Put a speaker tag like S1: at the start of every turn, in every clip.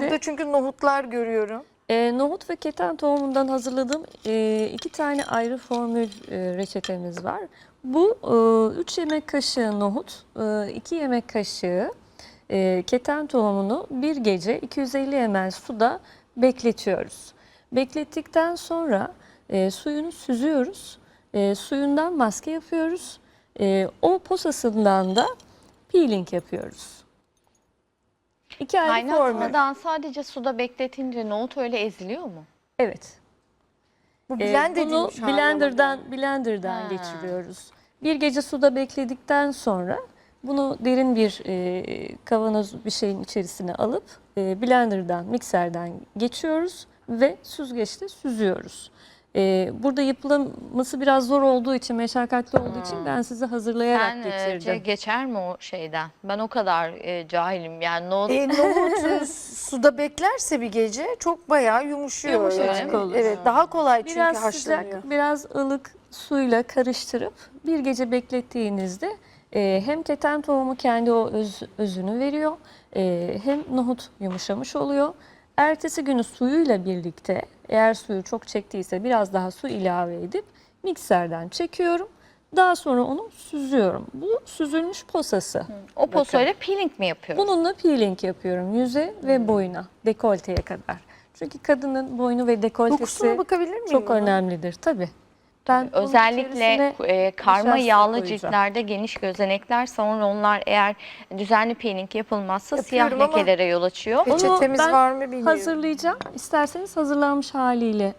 S1: Burada çünkü nohutlar görüyorum.
S2: Nohut ve keten tohumundan hazırladığım 2 tane ayrı formül reçetemiz var. Bu 3 yemek kaşığı nohut, 2 yemek kaşığı keten tohumunu bir gece 250 ml suda bekletiyoruz. Beklettikten sonra suyunu süzüyoruz. Suyundan maske yapıyoruz. O posasından da peeling yapıyoruz. 2 ayrı formül.
S3: Kaynatmadan sadece suda bekletince nohut öyle eziliyor mu?
S2: Evet.
S1: Bu blend
S2: Bunu
S1: edilmiş hali ama
S2: blenderdan
S3: Ha.
S2: geçiriyoruz. Bir gece suda bekledikten sonra bunu derin bir kavanoz bir şeyin içerisine alıp blenderdan, mikserden geçiyoruz ve süzgeçte süzüyoruz. Burada yapılması biraz zor olduğu için, meşakkatli olduğu için ben size hazırlayarak getirdim.
S3: Geçer mi o şeyden? Ben o kadar cahilim yani nohut.
S1: Nohut suda beklerse bir gece çok bayağı yumuşuyor.
S2: Yumuşacık
S1: yani.
S2: olur.
S1: Evet, daha kolay çünkü
S2: Biraz
S1: haşlanıyor.
S2: sıcak, biraz ılık suyla karıştırıp bir gece beklettiğinizde hem keten tohumu kendi o özünü veriyor, hem nohut yumuşamış oluyor. Ertesi günü suyuyla birlikte, eğer suyu çok çektiyse biraz daha su ilave edip mikserden çekiyorum. Daha sonra onu süzüyorum. Bu süzülmüş posası.
S3: O posoyla peeling mi yapıyoruz?
S2: Bununla peeling yapıyorum yüze ve boyuna, dekolteye kadar. Çünkü kadının boynu ve dekoltesi
S1: Dokusuna bakabilir miyim?
S2: çok
S1: buna?
S2: önemlidir tabii. Ben bunun
S3: Özellikle
S2: içerisine
S3: karma
S2: nişasta
S3: yağlı
S2: koyacağım.
S3: ciltlerde geniş gözenekler, sonra onlar eğer düzenli peeling yapılmazsa siyah
S1: Yapıyorum ama-
S3: lekelere yol açıyor.
S1: Peki. Reçetemiz
S2: ben
S1: var mı bilmiyorum.
S2: hazırlayacağım. İsterseniz hazırlanmış haliyle.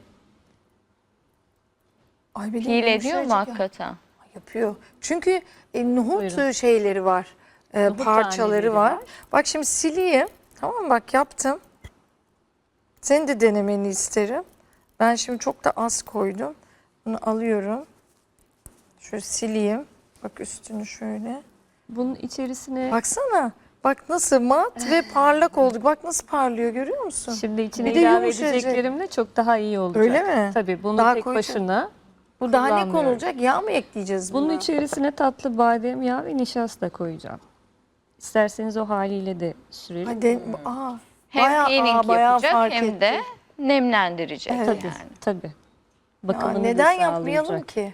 S1: Ay, benim
S3: Peel ediyor mu
S1: yumuşacık ya.
S3: hakikaten?
S1: Yapıyor. Çünkü nohut
S2: Buyurun.
S1: şeyleri var.
S2: Nohut
S1: Parçaları
S2: taneleri
S1: var.
S2: var.
S1: Bak şimdi sileyim. Tamam mı? Bak yaptım. Senin de denemeni isterim. Ben şimdi çok da az koydum. Bunu alıyorum. Şöyle sileyim. Bak üstünü şöyle.
S2: Bunun içerisine
S1: Baksana. Bak nasıl mat ve parlak oldu. Bak nasıl parlıyor, görüyor musun?
S2: şimdi içine
S1: Bir de
S2: ilave
S1: yumuşacık.
S2: edeceklerimle çok daha iyi olacak.
S1: Öyle mi?
S2: Tabii bunu
S1: Daha
S2: tek
S1: koyacak.
S2: başına
S1: Bu daha ne
S2: kullanmıyorum.
S1: konulacak? Yağ mı ekleyeceğiz buna?
S2: Bunun içerisine tatlı badem yağı ve nişasta koyacağım. İsterseniz o haliyle de sürelim.
S1: Hadi.
S3: Hem peeling
S1: bayağı
S3: yapacak
S1: fark
S3: hem
S1: etti.
S3: de nemlendirecek
S1: Evet.
S2: Tabii,
S3: yani.
S2: tabii.
S1: Ya
S2: Bakımını
S1: neden
S2: da
S1: yapmayalım
S2: sağlayacak.
S1: ki?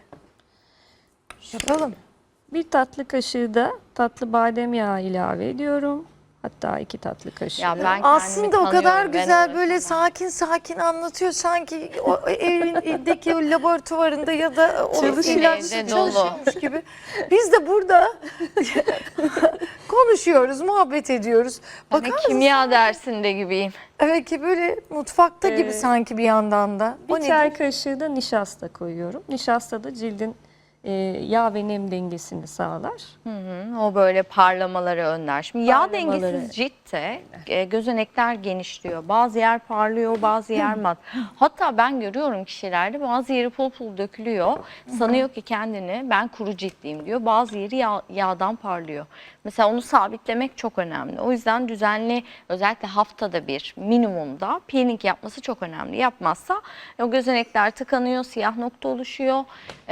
S1: Yapalım.
S2: Bir tatlı kaşığı da tatlı badem yağı ilave ediyorum. Hatta 2 tatlı kaşığı.
S3: Ya ben kendimi
S1: Aslında o kadar
S3: tanıyorum, ben
S1: güzel böyle
S3: uğraşamam.
S1: sakin sakin anlatıyor sanki o evindeki o laboratuvarında ya da o
S2: Çalışıyor.
S1: ilaçlı
S3: Evde dolu.
S1: çalışıyormuş gibi. Biz de burada konuşuyoruz, muhabbet ediyoruz.
S3: Hani
S1: Bakar mısın?
S3: kimya dersinde gibiyim.
S1: Evet ki böyle mutfakta gibi sanki bir yandan da. O
S2: Bir
S1: ne?
S2: çay kaşığı da nişasta koyuyorum. Nişasta da cildin yağ ve nem dengesini sağlar.
S3: O böyle parlamaları önler. Şimdi yağ
S2: Parlamaları.
S3: dengesiz ciltte gözenekler genişliyor. Bazı yer parlıyor, bazı yer mat. Hatta ben görüyorum kişilerde bazı yeri pul pul dökülüyor. Sanıyor ki kendini ben kuru ciltliyim diyor. Bazı yeri yağdan parlıyor. Mesela onu sabitlemek çok önemli. O yüzden düzenli, özellikle haftada bir minimumda peeling yapması çok önemli. Yapmazsa o gözenekler tıkanıyor, siyah nokta oluşuyor.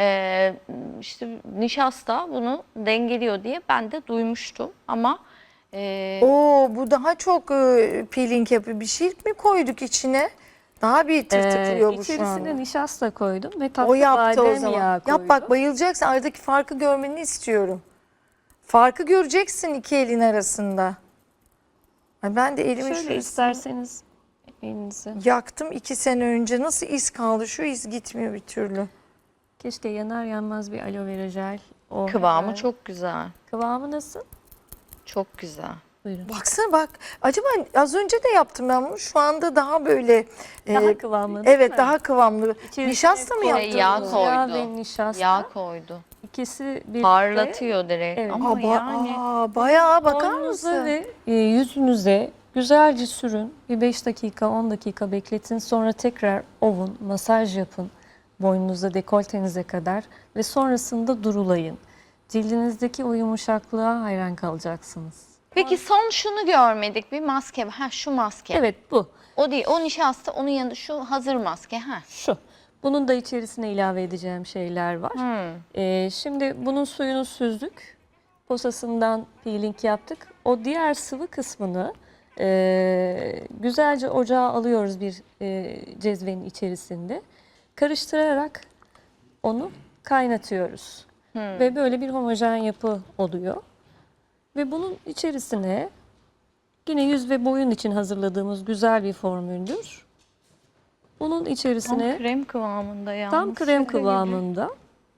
S3: İşte nişasta bunu dengeliyor diye ben de duymuştum ama
S1: Oo, bu daha çok peeling yapıyor. Bir şey mi koyduk içine? Daha bir tırtıklıyor bu şu
S2: İçerisine
S1: anda.
S2: nişasta koydum ve
S1: O
S2: tatlı
S1: yaptı o
S2: badem
S1: zaman.
S2: yağı koydum.
S1: Yap bak, bayılacaksın. Aradaki farkı görmeni istiyorum. Farkı göreceksin iki elin arasında. Ay, ben de elimi
S2: Şöyle
S1: şu
S2: isterseniz elinizi.
S1: yaktım 2 sene önce. Nasıl iz kaldı? Şu iz gitmiyor bir türlü.
S2: Keşke yanar yanmaz bir aloe vera jel. O
S3: kıvamı
S2: hemen.
S3: çok güzel.
S2: Kıvamı nasıl?
S3: Çok güzel.
S2: Buyurun.
S1: Baksana bak. Acaba az önce de yaptım ben bunu. Şu anda daha böyle
S2: Daha kıvamlı değil
S1: evet,
S2: mi?
S1: daha kıvamlı.
S2: İçerisine
S1: Nişasta mı
S2: koy-
S1: yaptın?
S3: Yağ
S1: bunu?
S3: koy.
S2: Yağ
S3: koydu.
S2: ve nişasta.
S3: Yağ koydu.
S2: İkisi birlikte.
S3: Parlatıyor direkt
S2: Evet.
S3: ama yani
S1: Bayağı bakar
S2: Boynunuza
S1: mısın?
S2: ve yüzünüze güzelce sürün. Bir 5 dakika 10 dakika bekletin. Sonra tekrar ovun, masaj yapın. Boynunuza, dekoltenize kadar ve sonrasında durulayın. Cildinizdeki o yumuşaklığa hayran kalacaksınız.
S3: Peki son şunu görmedik, bir maske. Ha, şu maske.
S2: Evet, bu.
S3: O değil, o nişasta, onun yanında şu hazır maske. Ha.
S2: Şu. Bunun da içerisine ilave edeceğim şeyler var. Şimdi bunun suyunu süzdük. Posasından peeling yaptık. O diğer sıvı kısmını Güzelce ocağa alıyoruz bir cezvenin içerisinde. Karıştırarak onu kaynatıyoruz. Ve böyle bir homojen yapı oluyor. Ve bunun içerisine yine yüz ve boyun için hazırladığımız güzel bir formüldür. Bunun
S3: Tam
S2: içerisine
S3: krem kıvamında yalnız.
S2: tam krem kıvamında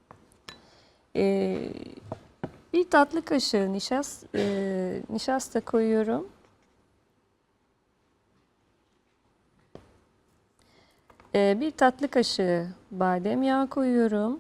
S2: bir tatlı kaşığı nişasta koyuyorum. Bir tatlı kaşığı badem yağı koyuyorum.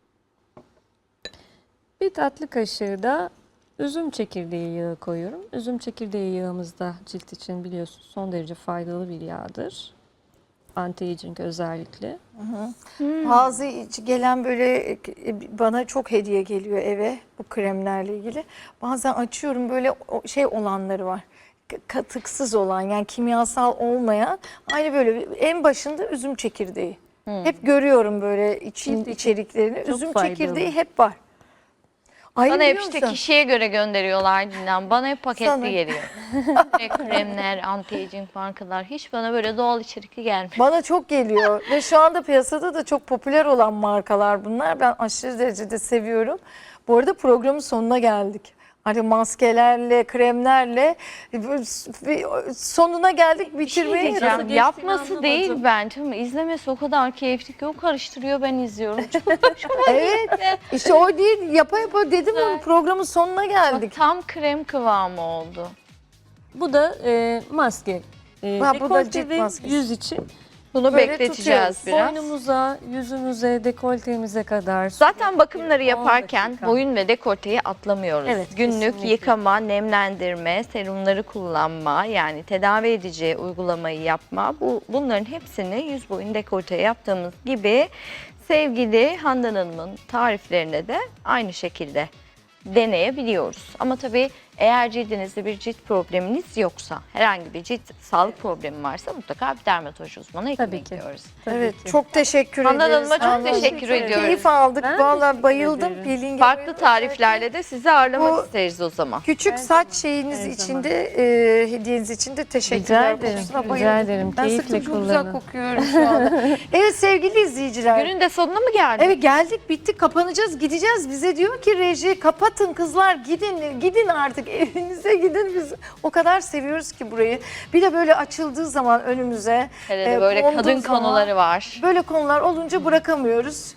S2: Bir tatlı kaşığı da üzüm çekirdeği yağı koyuyorum. Üzüm çekirdeği yağımız da cilt için biliyorsunuz son derece faydalı bir yağdır. Anti-aging özellikle.
S1: Bazı gelen böyle bana çok hediye geliyor eve bu kremlerle ilgili. Bazen açıyorum böyle şey olanları var. Katıksız olan yani kimyasal olmayan aynı böyle en başında üzüm çekirdeği. Hep görüyorum böyle içeriklerini. Üzüm
S2: faydalı.
S1: çekirdeği hep var. Ay,
S3: Bana hep
S1: biliyor
S3: işte
S1: musun?
S3: kişiye göre gönderiyorlar Dilan. Bana hep paketli
S1: Sana.
S3: geliyor. Kremler, anti-aging markalar hiç bana böyle doğal içerikli gelmiyor.
S1: Bana çok geliyor ve şu anda piyasada da çok popüler olan markalar bunlar. Ben aşırı derecede seviyorum. Bu arada programın sonuna geldik. Hani maskelerle, kremlerle sonuna geldik bitirmeye.
S3: Diyeceğim,
S2: geçtiğini
S3: yapması
S2: anlamadım.
S3: değil bence ama izlemesi o kadar keyifli ki o karıştırıyor ben izliyorum.
S1: Evet. İşte o değil. Yapa yapa dedim ama programın sonuna geldik.
S3: Tam krem kıvamı oldu.
S2: Bu da maske.
S1: Ha, bu da
S2: Dekolte
S1: cilt
S2: ve
S1: maskesi.
S2: yüz için.
S3: Bunu
S1: Böyle
S3: bekleteceğiz
S1: tutuyoruz.
S3: biraz.
S2: Boynumuza, yüzümüze, dekoltemize kadar.
S3: Zaten bakımları
S2: 10
S3: yaparken
S2: dakika.
S3: boyun ve dekolteyi atlamıyoruz.
S2: Evet,
S3: Günlük
S2: kesinlikle.
S3: yıkama, nemlendirme, serumları kullanma, yani tedavi edici uygulamayı yapma. Bunların hepsini yüz boyun dekolteye yaptığımız gibi sevgili Handan Hanım'ın tariflerine de aynı şekilde deneyebiliyoruz. Ama tabii eğer cildinizde bir cilt probleminiz yoksa, herhangi bir cilt sağlık problemi varsa mutlaka bir dermatoloji uzmanı
S2: Tabii
S3: eklemek
S2: ki.
S3: diyoruz.
S1: Evet, çok teşekkür
S3: Handan
S1: ederiz.
S3: Hanım'a çok
S1: Handan
S3: teşekkür
S1: Hanım.
S3: ediyoruz.
S1: Keyif aldık.
S2: Ben
S1: Vallahi
S2: teşekkür
S1: bayıldım.
S2: ederim.
S1: Peeling
S3: Farklı
S1: yapıyorum.
S3: tariflerle de sizi ağırlamak
S1: Bu-
S3: isteriz o zaman.
S1: Küçük saç şeyiniz
S2: Her
S1: için
S2: zaman.
S1: de hediyeniz için de teşekkürler.
S2: Rica ederim,
S1: Kokusuna
S2: rica
S1: bayıldım.
S2: ederim.
S1: Ben
S2: Keyifle
S1: sırtım çok güzel
S2: kullanın.
S1: kokuyorum şu anda. Evet sevgili izleyiciler.
S3: Günün de sonuna mı geldik?
S1: Evet geldik bitti kapanacağız gideceğiz. Bize diyor ki reji kapatın kızlar gidin artık evinize gidin. Biz o kadar seviyoruz ki burayı. Bir de böyle açıldığı zaman önümüze
S3: Hele de böyle
S1: konduğu
S3: kadın
S1: zaman,
S3: konuları var.
S1: böyle konular olunca bırakamıyoruz.